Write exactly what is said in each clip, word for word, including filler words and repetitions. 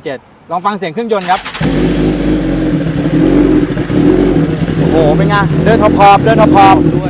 เจ็ดลองฟังเสียงเครื่องยนต์ครับโอ้โหเป็นไงเดินพอบๆเดินพอบๆด้วย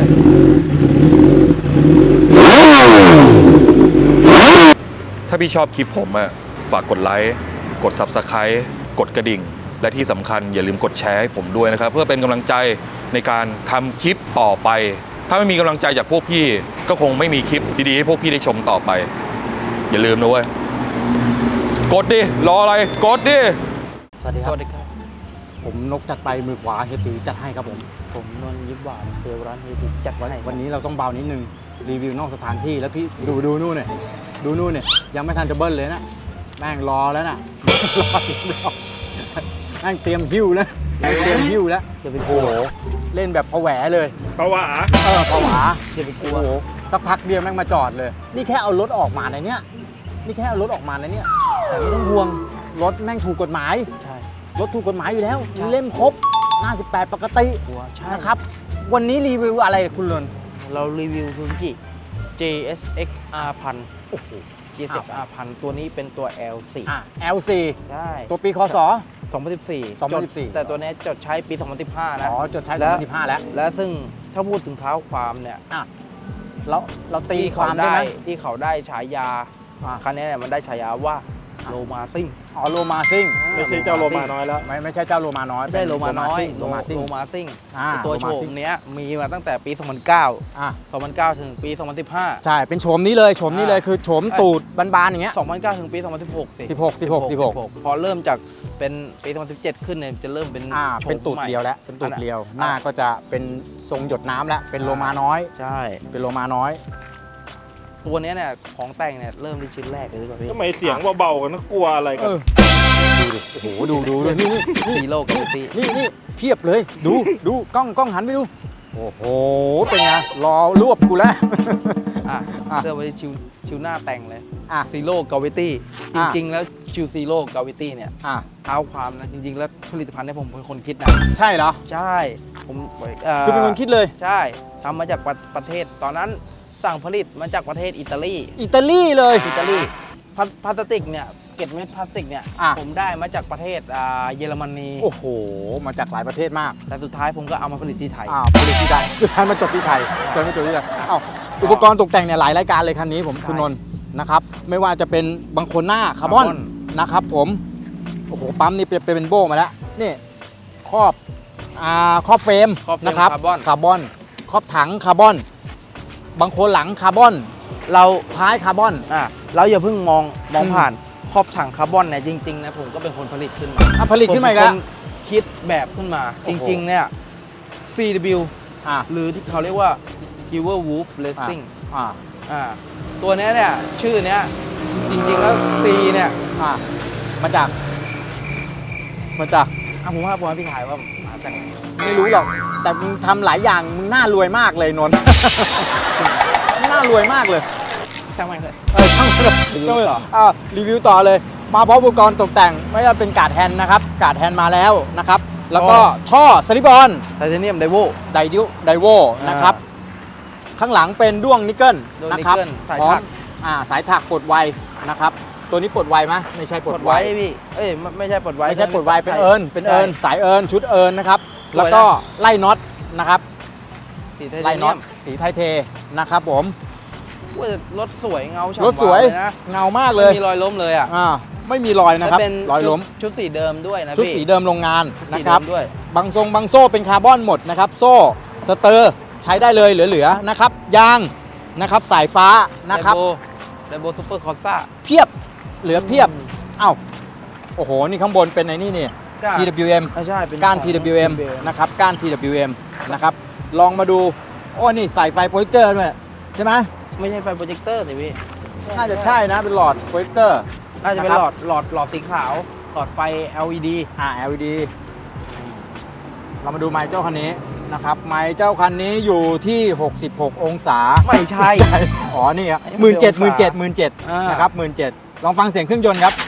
ถ้าพี่ชอบคลิปผมอะฝากกดไลค์กด ซับสไครบ์ กดกระดิ่งและที่สำคัญอย่าลืมกดแชร์ให้ผมด้วยนะครับเพื่อเป็นกำลังใจในการทำคลิปต่อไปถ้าไม่มีกำลังใจจากพวกพี่ก็คงไม่มีคลิปดีๆให้พวกพี่ได้ชมต่อไปอย่าลืมนะเว้ยกดดิรออะไรกดดิสวัสดีครับผมนกจัดไปมือขวาเฮียตีจัดให้ครับผมผมนนท์ยิบหวานเซลล์ร้านเฮียตีจัดวันไหนวันนี้เราต้องเบานิดนึงรีวิวนอกสถานที่แล้วพี่ดูดูนู่นเนี่ยดูนู่นเนี่ยยังไม่ทันจะเบิ้ลเลยนะแม่งรอแล้วน่ะรอรอแม่งเตรียมหิ้วแล้วเตรียมหิ้วแล้วจะไปกโอ้ลัวโหเล่นแบบผวาเลยผวาเออผวาจะไปกลัวโอ้โหสักพักเดียวแม่งมาจอดเลยนี่แค่เอารถออกมาในเนี้ยนี่แค่เอารถออกมาในเนี้ยแต่ไม่ต้องห่วงรถแม่งถูกกฎหมายใช่รถถูกกฎหมายอยู่แล้วเล่มครบหน้าสิบแปดปกตินะครับวันนี้รีวิวอะไรคุณลนเรารีวิวซูซูกิ เจ เอส เอ็กซ์ อาร์ หนึ่งพัน โอ้โห เจ เอส เอ็กซ์ อาร์ หนึ่งพัน ตัวนี้เป็นตัว แอล โฟร์อ่ะ แอล โฟร์ใช่ตัวปีคศสองพันสิบสี่สองพันสิบสี่แต่ตัวนี้จดใช้ปีสองพันสิบห้านะอ๋อจดใช้สองพันสิบห้าแล้วและซึ่งถ้าพูดถึงเท้าความเนี่ยอ่ะเราเราตีความได้ไหมที่เขาได้ฉายาคันนี้เนี่ยมันได้ฉายาว่าโลมาซิ่งอ๋อโลมาซิ่งไม่ใช่เจ้าโลมาน้อยแล้วไม่ไม่ใช่เจ้าโลมาน้อยไม่ใช่โลมาน้อยโลมาซิ่งโลมาซิ่งตัวโฉมเนี้ยมีมาตั้งแต่ปีสองพันเก้าอ่ะสองพันเก้าถึงปีสองพันสิบห้าใช่เป็นโฉมนี้เลยโฉมนี้เลยคือโฉมตูดบานๆอย่างเงี้ยสองพันเก้าถึงปีสองพันสิบหกสิสิบหก สิบหก สิบหกพอเริ่มจากเป็นปีสองพันสิบเจ็ดขึ้นเนี่ยจะเริ่มเป็นอ่าเป็นตูดเดียวแล้วเป็นตูดเดียวหน้าก็จะเป็นทรงหยดน้ำแล้วเป็นโลมาน้อยใช่เป็นโลมาน้อยตัวนี้เนี่ยของแต่งเนี่ยเริ่มที่ชิ้นแรกเลยดีกว่าพี่ทำไมเสียงเบาๆกันนะกลัวอะไรกันดูดิโอ้โหดูดูดูนี่นี่ซีโร่กับตีนี่นี่เพียบเลยดูดูกล้องกล้องหันไปดูโอ้โหเป็นไงรอรวบกูแล้วอ่ะเสื้อไว้ชิวชิวหน้าแต่งเลยอ่ะซีโร่กาวิตี้จริงๆแล้วชิวซีโร่กาวิตี้เนี่ยเท้าความนะจริงๆแล้วผลิตภัณฑ์เนี่ยผมเป็นคนคิดนะใช่เหรอใช่ผมคือเป็นคนคิดเลยใช่ทำมาจากประเทศตอนนั้นสั่งผลิตมาจากประเทศอิตาลีอิตาลีเลยอิตาลีพลาสติกเนี่ยเกล็ดเม็ดพลาสติกเนี่ยผมได้มาจากประเทศเยอรมนีโอ้โหมาจากหลายประเทศมากแต่สุดท้ายผมก็เอามาผลิตที่ไทยอ้าวผลิตที่ไทยสุดท้ายมาจบที่ไทยจนมาจบที่ไทยอ้าวอุปกรณ์ตกแต่งเนี่ยหลายรายการเลยคันนี้ผมคุณนนท์นะครับไม่ว่าจะเป็นบางคนหน้าคาร์บอนนะครับผมโอ้โหปั๊มนี่เป็นโบ้มาแล้วนี่ครอบอ่าครอบเฟรมนะครับคาร์บอนครอบถังคาร์บอนบางคนหลังคาร์บอนเราท้ายคาร์บอนอ่ะเราอย่าเพิ่งมองมองผ่านครอบถังคาร์บอนเนี่ยจริงๆนะผมก็เป็นคนผลิตขึ้นมาผลิตขึ้นมาแล้วคิดแบบขึ้นมาจริงๆเนี่ย ซี ดับเบิลยู อ่ะหรือที่เขาเรียกว่า Giver Wolf Racing อ่าอ่าตัวนี้เนี่ยชื่อเนี้ยจริงๆแล้ว C เนี่ยอ่ามาจากมาจากอ่ะผมว่าผมให้พี่ถ่ายว่ามาจากไหนไม่รู้หรอกแต่มึงทำหลายอย่างมึงน่ารวยมากเลยนนท์น่ารวยมากเลยช่างมันเลยเออช่างมันเลยช่างมันเหรออ่ารีวิวต่อเลยมาพร้อมอุปกรณ์ตกแต่งไม่ว่าเป็นการ์ดแฮนด์นะครับการ์ดแฮนด์มาแล้วนะครับแล้วก็ท่อสลิปออนไทเทเนียมไดโวไดดิวไดโวนะครับข้างหลังเป็นด้วงนิกเกิลนะครับสายถักอ่าสายถักปลดไวนะครับตัวนี้ปลดไวไหมไม่ใช่ปลดไวพี่เอ้ยไม่ใช่ปลดไวไม่ใช่ปลดไวเป็นเอิญเป็นเอิญสายเอิญชุดเอิญนะครับแล้วก็ไล่น็อตนะครับไล่น็อตสีไทเทนะครับผมรถสวยเงาฉ่ำรถสวยนะเงามากเลยไม่มีรอยล้มเลยอ่ะไม่มีรอยนะครับรอยล้มชุดสีเดิมด้วยนะชุดสีเดิมโรงงานนะครับด้วยบางทรงบางโซ่เป็นคาร์บอนหมดนะครับโซ่สเตอร์ใช้ได้เลยเหลือๆนะครับยางนะครับสายฟ้านะครับไดโบซูเปอร์คอร์ซ่าเพียบเหลือเพียบเอ้าโอ้โหนี่ข้างบนเป็นไอ้นี่นี่ ที ดับเบิลยู เอ็มใช่เป็นก้าน ที ดับเบิลยู เอ็ม นะครับก้าน ที ดับเบิลยู เอ็ม นะครับลองมาดูโอ้นี่ใส่ไฟโปรเจคเตอร์ด้วยใช่ไหมไม่ใช่ไฟโปรเจคเตอร์สิพี่น่าจะใช่นะเป็นหลอดโปรเจคเตอร์น่าจะเป็นหลอดหลอดหลอดสีขาวหลอดไฟ แอล อี ดีอ่า แอล อี ดี เรามาดูไมค์เจ้าคันนี้นะครับไมค์เจ้าคันนี้อยู่ที่หกสิบหกองศาไม่ใช่อ๋อนี่ครับหมื่นเจ็ดหมื่นเจ็ดหมื่นเจ็ดนะครับหมื่นเจ็ดลองฟังเสียงเครื่องยนต์ครับ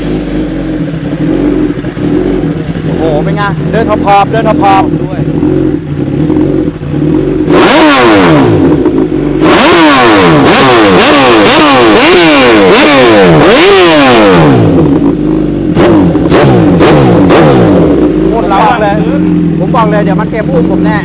โอ้โหเป็นไงเดินพอบๆเดินพอบๆด้วยผมบอกเลยเดี๋ยวมันเตรียมอุ้มผมแน่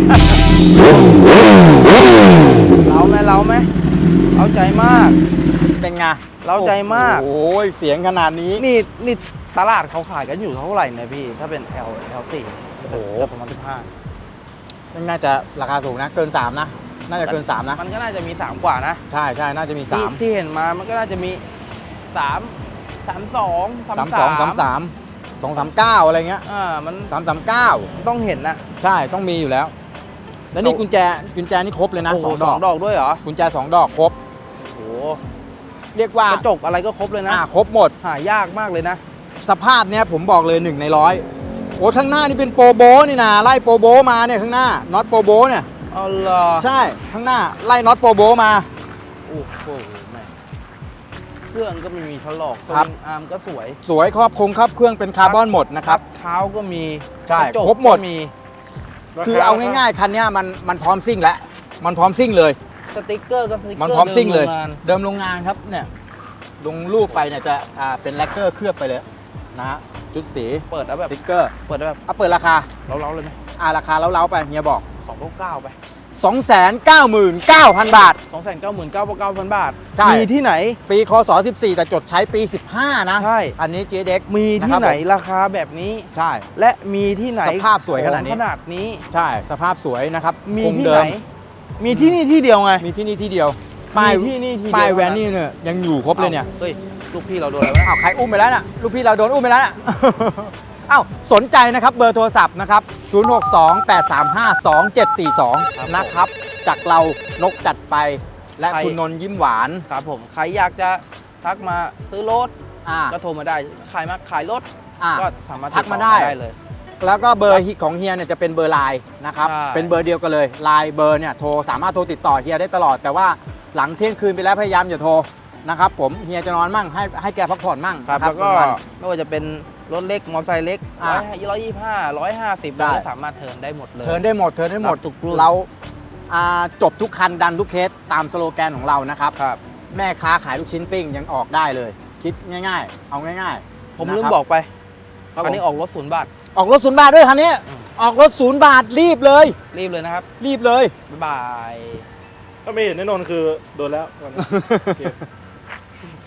เราไหมเราไหมเราใจมากเป็นไงเราใจมากโอ้ยเสียงขนาดนี้นี่นี่ตลาดเขาขายกันอยู่เท่าไหร่เนี่ยพี่ ถ้าเป็น L L สี่โอ้โหสองพันสิบห้ามันน่าจะราคาสูงนะ เกินสามนะ น่าจะเกินสามนะมันก็น่าจะมีสามกว่านะใช่ใช่น่าจะมีที่สามที่เห็นมามันก็น่าจะมีสามสามสองสามสามสองสามสามสองสามเก้าอะไรเงี้ยอ่ามันสามสามเก้าต้องเห็นนะใช่ต้องมีอยู่แล้ว แล้วนี่กุญแจกุญแจนี่ครบเลยนะโอ้โหสองสดออง กดอกด้วยเหรอกุญแจสองดอกครบโอ้โหเรียกว่ากระจกอะไรก็ครบเลยนะอ่าครบหมดหายากมากเลยนะสภาพเนี้ยผมบอกเลยหนึ่งในร้อยโอ้ข้างหน้านี่เป็นโปรโบนี่นะไล่โปรโบมาเนี่ยข้างหน้าน็อตโปรโบเนี่ยเอาเหรอใช่ข้างหน้าไล่น็อตโปรโบมาโอ้โหแม่เครื่องก็ไม่มีถลอกสครับวิงอาร์มก็สวยสวยครอบคงครับเครื่องเป็นคาร์บอนหมดนะครับเท้าก็มีใช่กะจกครบหมดก็มีคือเอาง่ายๆคันเนี้ยมันมันพร้อมซิ่งแล้วมันพร้อมซิ่งเลยสติ๊กเกอร์ก็สติ๊กเกอร์มันพร้อมซิ่งเลยดินโรงงานเดิมโรงงานครับเนี่ยลงรูปไปเนี่ยจะอ่าเป็นแลกเกอร์เคลือบไปเลยนะฮะจุดสีเปิดแล้วแบบสติ๊กเกอร์เปิดแล้วแบบเอาเปิดราคาเล้าๆเลยไหมอ่าราคาเล้าๆไปเฮียบอกสองเก้าไปสองแสนเก้าหมื่นเก้าพัน บาทสองแสนเก้าหมื่นเก้าพันเก้าพันบาทใช่มีที่ไหนปีคศสิบสี่แต่จดใช้ปี สิบห้า นะใช่อันนี้ เจ เด็กมีที่ไหนราคาแบบนี้ใช่และมีที่ไหนสภาพสวยขนาดนี้ของขนาดนี้ใช่สภาพสวยนะครับมีคงที่เดิไหนมมีที่นี่ที่เดียวไงมีที่นี่ที่เดียวป้ายมีที่นี่ที่เดียวป้ายแวนนี่เนี่ยยังอยู่ครบเลยเนี่ยเฮ้ยลูกพี่เราโดนอะไรวะอ้าวใครอุ้มไปแล้วน่ะลูกพี่เราโดนอุ้มไปแล้วน่ะ อ้าวสนใจนะครับเบอร์โทรศัพท์นะครับศูนย์ หก สอง แปด สาม ห้า สอง เจ็ด สี่ สองนะครับจากเรานกจัดไปและคุณนนท์ยิ้มหวานครับผมใครอยากจะทักมาซื้อรถอ่าก็โทรมาได้ขายมาขายรถอ่าก็สามารถทักมาติต่อได้เลยแล้วก็เบอร์ของเฮียเนี่ยจะเป็นเบอร์ไลน์นะครับใช่เป็นเบอร์เดียวกันเลยไลน์เบอร์เนี่ยโทรสามารถโทรติดต่อเฮียได้ตลอด แต่ว่าหลังเที่ยงคืนไปแล้วพยายามอย่าโทรนะครับผมเฮียจะนอนมั่งให้ให้แกพักผ่อนมั่งครับนะแล้วก็วันไม่ว่าจะเป็นรถเล็กมอเตอร์ไซค์เล็กอ่าร้อยยี่สิบห้าร้อยห้าสิบใช่เราก็สามารถเทิร์นได้หมดเลยเทิร์นได้หมดเทิร์นได้หมดรับทุกรุ่นเราอ่าจบทุกคันดันทุกเคสตามสโลแกนของเรานะครับครับแม่ค้าขายลูกชิ้นปิ้งยังออกได้เลย คิดง่ายๆ เอาง่ายๆผมนะลืมครับบอกไปครับอันนี้ผมออกรถศูนย์บาทออกรถศูนย์บาทด้วยคันนี้อืมออกรถศูนย์บาทรีบเลยรีบเลยนะครับรีบเลยบ๊ายบายถ้าไม่เห็นแน่นอนคือโดนแล้ววันนี้โอเค